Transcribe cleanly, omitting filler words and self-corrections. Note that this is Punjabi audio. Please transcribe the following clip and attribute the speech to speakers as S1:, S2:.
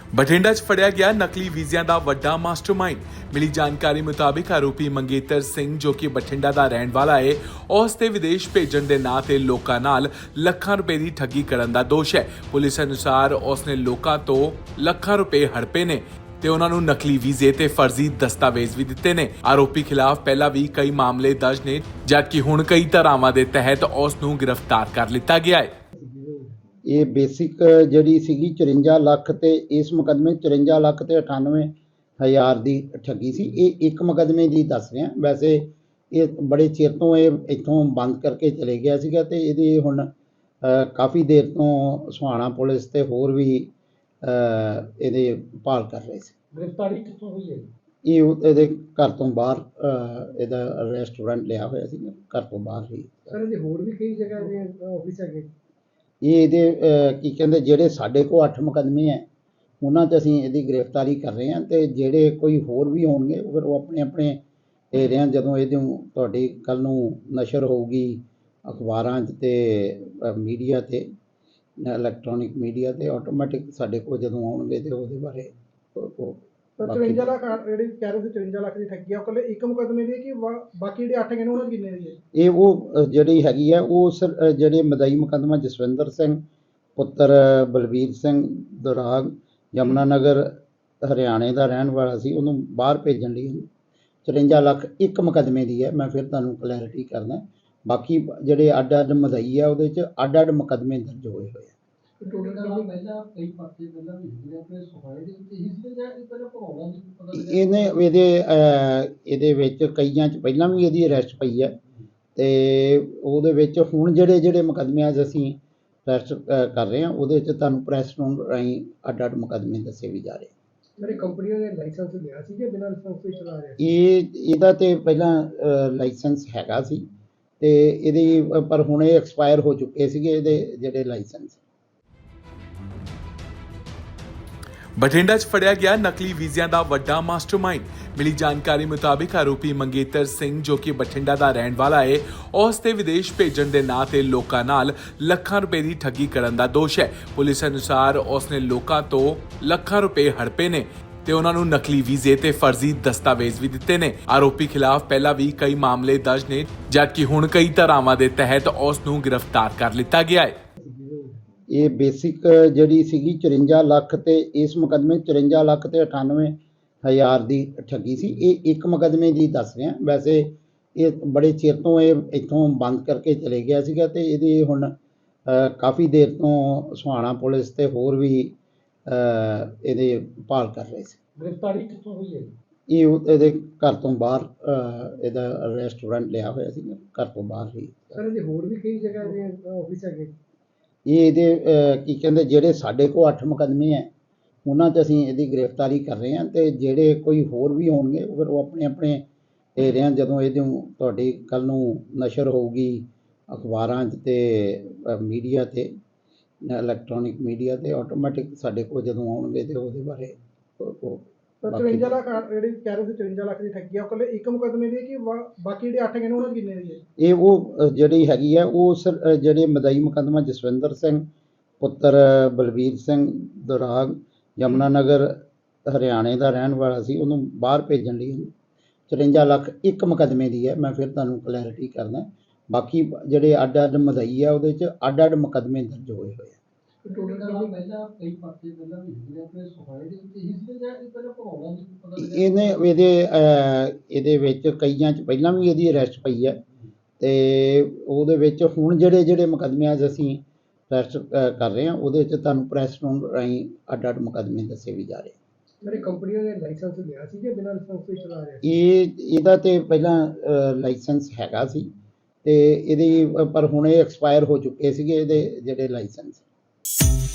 S1: ਬਠਿੰਡਾ 'ਚ ਫੜਿਆ ਗਿਆ ਨਕਲੀ ਵੀਜ਼ਿਆਂ ਦਾ ਵੱਡਾ ਮਾਸਟਰਮਾਈਂਡ। ਮਿਲੀ ਜਾਣਕਾਰੀ ਮੁਤਾਬਿਕ ਆਰੋਪੀ ਮੰਗੇਤਰ ਸਿੰਘ, ਜੋ ਕਿ ਬਠਿੰਡਾ ਦਾ ਰਹਿਣ ਵਾਲਾ ਹੈ, ਉਸ ਤੇ ਵਿਦੇਸ਼ ਭੇਜਣ ਦੇ ਨਾਂ ਤੇ ਲੋਕਾਂ ਨਾਲ ਲੱਖਾਂ ਰੁਪਏ ਦੀ ਠੱਗੀ ਕਰਨ ਦਾ ਦੋਸ਼ ਹੈ। ਪੁਲਿਸ ਅਨੁਸਾਰ ਉਸ ਨੇ ਲੋਕਾਂ ਤੋਂ ਲੱਖਾਂ ਰੁਪਏ ਹੜਪੇ ਨੇ ਤੇ ਉਹਨਾਂ ਨੂੰ ਨਕਲੀ ਵੀਜ਼ੇ ਤੇ ਫਰਜ਼ੀ ਦਸਤਾਵੇਜ਼ ਵੀ ਦਿੱਤੇ ਨੇ। ਆਰੋਪੀ ਖਿਲਾਫ ਪਹਿਲਾਂ ਵੀ ਕਈ ਮਾਮਲੇ ਦਰਜ ਨੇ, ਜਦਕਿ ਹੁਣ ਕਈ ਧਾਰਾਵਾਂ ਦੇ ਤਹਿਤ ਉਸ ਨੂੰ ਗ੍ਰਿਫਤਾਰ ਕਰ ਲਿੱਤਾ ਗਿਆ ਹੈ।
S2: ਇਹ ਬੇਸਿਕ ਜਿਹੜੀ ਸੀਗੀ 54 ਲੱਖ ਤੇ ਇਸ ਮੁਕੱਦਮੇ 54 ਲੱਖ ਤੇ 98,000 ਦੀ ਠੱਗੀ ਸੀ। ਇਹ ਇੱਕ ਮੁਕੱਦਮੇ ਦੀ ਦੱਸ ਰਿਹਾ। ਵੈਸੇ ਇਹ ਬੜੇ ਚਿਰ ਤੋਂ ਇਹ ਇੱਥੋਂ ਬੰਦ ਕਰਕੇ ਚਲੇ ਗਿਆ ਸੀਗਾ ਤੇ ਇਹਦੀ ਹੁਣ ਕਾਫੀ ਦੇਰ ਤੋਂ ਸੁਹਾਣਾ ਪੁਲਿਸ ਤੇ ਹੋਰ ਵੀ ਇਹਦੇ ਭਾਲ ਕਰ ਰਹੇ ਸੀ।
S3: ਗ੍ਰਿਫਤਾਰੀ ਕਿੱਥੋਂ ਹੋਈ ਹੈ?
S2: ਇਹ ਇਹਦੇ ਘਰ ਤੋਂ ਬਾਹਰ ਇਹਦਾ ਰੈਸਟੋਰੈਂਟ ਲਿਆ ਹੋਇਆ ਸੀ, ਘਰ ਤੋਂ ਬਾਹਰ ਹੀ।
S3: ਸਰ ਇਹਦੇ ਹੋਰ ਵੀ ਕਈ ਜਗ੍ਹਾ ਦੇ ਆਫਿਸ ਹੈਗੇ।
S2: ਇਹ ਇਹਦੇ ਕੀ ਕਹਿੰਦੇ ਜਿਹੜੇ ਸਾਡੇ ਕੋਲ 8 ਮੁਕੱਦਮੇ ਹੈ ਉਹਨਾਂ 'ਚ ਅਸੀਂ ਇਹਦੀ ਗ੍ਰਿਫਤਾਰੀ ਕਰ ਰਹੇ ਹਾਂ ਤੇ ਜਿਹੜੇ ਕੋਈ ਹੋਰ ਵੀ ਹੋਣਗੇ ਫਿਰ ਉਹ ਆਪਣੇ ਆਪਣੇ ਏਰਿਆਂ ਜਦੋਂ ਇਹਦੀ ਤੁਹਾਡੀ ਕੱਲ੍ਹ ਨੂੰ ਨਸ਼ਰ ਹੋਊਗੀ ਅਖਬਾਰਾਂ 'ਚ ਤੇ ਮੀਡੀਆ ਤੇ ਇਲੈਕਟ੍ਰੋਨਿਕ ਮੀਡੀਆ ਤੇ ਆਟੋਮੈਟਿਕ ਸਾਡੇ ਕੋਲ ਜਦੋਂ ਆਉਣਗੇ ਤੇ ਉਹਦੇ ਬਾਰੇ
S3: ਤਾਂ 53 ਲੱਖ ਜਿਹੜੀ ਕਹਿ ਰਹੇ ਸੀ 53 ਲੱਖ ਦੀ ਠੱਗੀ ਆ, ਉਹ ਇਕੱਲੇ ਇੱਕ ਮੁਕੱਦਮੇ ਦੀ ਕਿ ਬਾਕੀ ਜਿਹੜੇ 8 ਹੈਗੇ ਨੇ ਉਹਨਾਂ ਦੀ ਕਿੰਨੇ ਦੀ ਹੈ?
S2: ਇਹ ਉਹ ਜਿਹੜੀ ਹੈਗੀ ਆ ਉਹ ਜਿਹੜੇ ਮਦਈ ਮੁਕੱਦਮਾ ਜਸਵਿੰਦਰ ਸਿੰਘ ਪੁੱਤਰ ਬਲਬੀਰ ਸਿੰਘ ਦੁਰਾਗ ਯਮੁਨਾ ਨਗਰ ਹਰਿਆਣੇ ਦਾ ਰਹਿਣ ਵਾਲਾ ਸੀ, ਉਹਨੂੰ ਬਾਹਰ ਭੇਜਣ ਲਈ 54 ਲੱਖ ਇੱਕ ਮੁਕੱਦਮੇ ਦੀ ਹੈ। ਮੈਂ ਫਿਰ ਤੁਹਾਨੂੰ ਕਲੈਰਿਟੀ ਕਰਦਾ। ਬਾਕੀ ਜਿਹੜੇ ਅੱਡ ਅੱਡ ਮਦਈ ਆ ਉਹਦੇ 'ਚ ਅੱਡ ਅੱਡ ਮੁਕੱਦਮੇ ਦਰਜ ਹੋਏ ਹੋਏ ਆ। ਇਹਦੇ ਵਿੱਚ ਕਈਆਂ 'ਚ ਪਹਿਲਾਂ ਵੀ ਇਹਦੀ ਅਰੈਸਟ ਪਈ ਹੈ ਤੇ ਉਹਦੇ ਵਿੱਚ ਹੁਣ ਜਿਹੜੇ ਮੁਕੱਦਮਿਆਂ 'ਚ ਅਸੀਂ ਅਰੈਸਟ ਕਰ ਰਹੇ ਹਾਂ ਉਹਦੇ 'ਚ ਤੁਹਾਨੂੰ ਪ੍ਰੈਸ ਨੋਟ ਰਾਹੀਂ ਅੱਡ ਅੱਡ ਮੁਕੱਦਮੇ ਦੱਸੇ ਵੀ ਜਾ ਰਹੇ।
S3: ਮੇਰੇ ਕੰਪਨੀਆਂ ਨੇ ਲਾਇਸੈਂਸ ਲਿਆ ਸੀ ਕਿ ਬਿਨਾਂ ਲਾਇਸੈਂਸ ਤੋਂ ਚਲਾ ਰਿਹਾ?
S2: ਇਹਦਾ ਤੇ ਪਹਿਲਾਂ ਲਾਇਸੈਂਸ ਹੈਗਾ ਸੀ ਤੇ ਇਹਦੀ ਪਰ ਹੁਣ ਇਹ ਐਕਸਪਾਇਰ ਹੋ ਚੁੱਕੇ ਸੀਗੇ ਇਹਦੇ ਜਿਹੜੇ ਲਾਇਸੈਂਸ।
S1: ਬਠਿੰਡਾ 'ਚ ਫੜਿਆ ਗਿਆ ਨਕਲੀ ਵੀਜ਼ਿਆਂ ਦਾ ਵੱਡਾ ਮਾਸਟਰਮਾਈਂਡ। ਮਿਲੀ ਜਾਣਕਾਰੀ ਮੁਤਾਬਿਕ ਆਰੋਪੀ ਮੰਗੇਤਰ ਸਿੰਘ, ਜੋ ਕਿ ਬਠਿੰਡਾ ਦਾ ਰਹਿਣ ਵਾਲਾ ਹੈ, ਉਸ ਤੇ ਵਿਦੇਸ਼ ਭੇਜਣ ਦੇ ਨਾਂ ਤੇ ਲੋਕਾਂ ਨਾਲ ਲੱਖਾਂ ਰੁਪਏ ਦੀ ਠੱਗੀ ਕਰਨ ਦਾ ਦੋਸ਼ ਹੈ। ਪੁਲਿਸ ਅਨੁਸਾਰ ਉਸ ਨੇ ਲੋਕਾਂ ਤੋਂ ਲੱਖਾਂ ਰੁਪਏ ਹੜਪੇ ਨੇ ਤੇ ਉਹਨਾਂ ਨੂੰ ਨਕਲੀ ਵੀਜ਼ੇ ਤੇ ਫਰਜ਼ੀ ਦਸਤਾਵੇਜ਼ ਵੀ ਦਿੱਤੇ ਨੇ। ਆਰੋਪੀ ਖਿਲਾਫ ਪਹਿਲਾਂ ਵੀ ਕਈ ਮਾਮਲੇ ਦਰਜ ਨੇ, ਜਦਕਿ ਹੁਣ ਕਈ ਧਾਰਾਵਾਂ ਦੇ ਤਹਿਤ ਉਸ ਨੂੰ ਗ੍ਰਿਫਤਾਰ ਕਰ ਲਿੱਤਾ ਗਿਆ ਹੈ।
S2: ਇਹ ਬੇਸਿਕ ਜਿਹੜੀ ਸੀਗੀ 54 ਲੱਖ ਤੇ ਇਸ ਮੁਕੱਦਮੇ 54 ਲੱਖ ਤੇ 98,000 ਦੀ ਠੱਗੀ ਸੀ। ਇਹ ਇੱਕ ਮੁਕੱਦਮੇ ਦੀ ਦੱਸ ਰਿਹਾ। ਵੈਸੇ ਇਹ ਬੜੇ ਚਿਰ ਤੋਂ ਇਹ ਇੱਥੋਂ ਬੰਦ ਕਰਕੇ ਚਲੇ ਗਿਆ ਸੀਗਾ ਤੇ ਇਹਦੀ ਹੁਣ ਕਾਫੀ ਦੇਰ ਤੋਂ ਸੁਹਾਣਾ ਪੁਲਿਸ ਤੇ ਹੋਰ ਵੀ ਇਹਦੇ ਭਾਲ ਕਰ ਰਹੇ ਸੀ।
S3: ਗ੍ਰਿਫਤਾਰੀ ਕਿੱਥੋਂ ਹੋਈ ਹੈ?
S2: ਇਹ ਇਹਦੇ ਘਰ ਤੋਂ ਬਾਹਰ ਇਹਦਾ ਰੈਸਟੋਰੈਂਟ ਲਿਆ ਹੋਇਆ ਸੀ, ਘਰ ਤੋਂ ਬਾਹਰ ਹੀ।
S3: ਸਰ ਇਹਦੇ ਹੋਰ ਵੀ ਕਈ ਜਗ੍ਹਾ ਦੇ ਆਫਿਸ ਹੈਗੇ।
S2: ਇਹ ਇਹਦੇ ਕੀ ਕਹਿੰਦੇ ਜਿਹੜੇ ਸਾਡੇ ਕੋਲ 8 ਮੁਕੱਦਮੇ ਹੈ ਉਹਨਾਂ 'ਚ ਅਸੀਂ ਇਹਦੀ ਗ੍ਰਿਫਤਾਰੀ ਕਰ ਰਹੇ ਹਾਂ ਤੇ ਜਿਹੜੇ ਕੋਈ ਹੋਰ ਵੀ ਹੋਣਗੇ ਫਿਰ ਉਹ ਆਪਣੇ ਆਪਣੇ ਏਰਿਆਂ ਜਦੋਂ ਇਹਦੀ ਤੁਹਾਡੀ ਕੱਲ੍ਹ ਨੂੰ ਨਸ਼ਰ ਹੋਊਗੀ ਅਖਬਾਰਾਂ 'ਚ ਤੇ ਮੀਡੀਆ ਤੇ ਇਲੈਕਟ੍ਰੋਨਿਕ ਮੀਡੀਆ ਤੇ ਆਟੋਮੈਟਿਕ ਸਾਡੇ ਕੋਲ ਜਦੋਂ ਆਉਣਗੇ ਤੇ ਉਹਦੇ ਬਾਰੇ
S3: ਤਾਂ 53 ਲੱਖ ਜਿਹੜੀ ਕਹਿ ਰਹੇ ਸੀ 54 ਲੱਖ ਦੀ ਠੱਗੀ ਆ, ਉਹ ਇਕੱਲੇ ਇੱਕ ਮੁਕੱਦਮੇ ਦੀ ਕਿ ਬਾਕੀ ਜਿਹੜੇ 8 ਹੈਗੇ ਨੇ ਉਹਨਾਂ ਦੀ ਕਿੰਨੇ ਦੀ ਹੈ?
S2: ਇਹ ਉਹ ਜਿਹੜੀ ਹੈਗੀ ਆ ਉਹ ਜਿਹੜੇ ਮਦਈ ਮੁਕੱਦਮਾ ਜਸਵਿੰਦਰ ਸਿੰਘ ਪੁੱਤਰ ਬਲਬੀਰ ਸਿੰਘ ਦੁਰਾਗ ਯਮੁਨਾ ਨਗਰ ਹਰਿਆਣੇ ਦਾ ਰਹਿਣ ਵਾਲਾ ਸੀ, ਉਹਨੂੰ ਬਾਹਰ ਭੇਜਣ ਲਈ 54 ਲੱਖ ਇੱਕ ਮੁਕੱਦਮੇ ਦੀ ਹੈ। ਮੈਂ ਫਿਰ ਤੁਹਾਨੂੰ ਕਲੈਰਿਟੀ ਕਰਦਾ। ਬਾਕੀ ਜਿਹੜੇ ਅੱਡ ਅੱਡ ਮਦਈ ਆ ਉਹਦੇ 'ਚ ਅੱਡ ਅੱਡ ਮੁਕੱਦਮੇ ਦਰਜ ਹੋਏ ਹੋਏ ਆ। ਇਹਦੇ ਵਿੱਚ ਕਈਆਂ 'ਚ ਪਹਿਲਾਂ ਵੀ ਇਹਦੀ ਅਰੈਸਟ ਪਈ ਹੈ ਤੇ ਉਹਦੇ ਵਿੱਚ ਹੁਣ ਜਿਹੜੇ ਮੁਕੱਦਮਿਆਂ 'ਚ ਅਸੀਂ ਅਰੈਸਟ ਕਰ ਰਹੇ ਹਾਂ ਉਹਦੇ 'ਚ ਤੁਹਾਨੂੰ ਪ੍ਰੈਸ ਨੋਟ ਰਾਹੀਂ ਅੱਡ ਅੱਡ ਮੁਕੱਦਮੇ ਦੱਸੇ ਵੀ ਜਾ ਰਹੇ।
S3: ਮੇਰੇ ਕੰਪਨੀਆਂ ਨੇ ਲਾਇਸੈਂਸ ਲਿਆ ਸੀ ਕਿ ਬਿਨਾਂ ਲਾਇਸੈਂਸ ਤੋਂ ਚਲਾ ਰਿਹਾ?
S2: ਇਹਦਾ ਤੇ ਪਹਿਲਾਂ ਲਾਇਸੈਂਸ ਹੈਗਾ ਸੀ ਤੇ ਇਹਦੀ ਪਰ ਹੁਣ ਇਹ ਐਕਸਪਾਇਰ ਹੋ ਚੁੱਕੇ ਸੀਗੇ ਇਹਦੇ ਜਿਹੜੇ ਲਾਇਸੈਂਸ।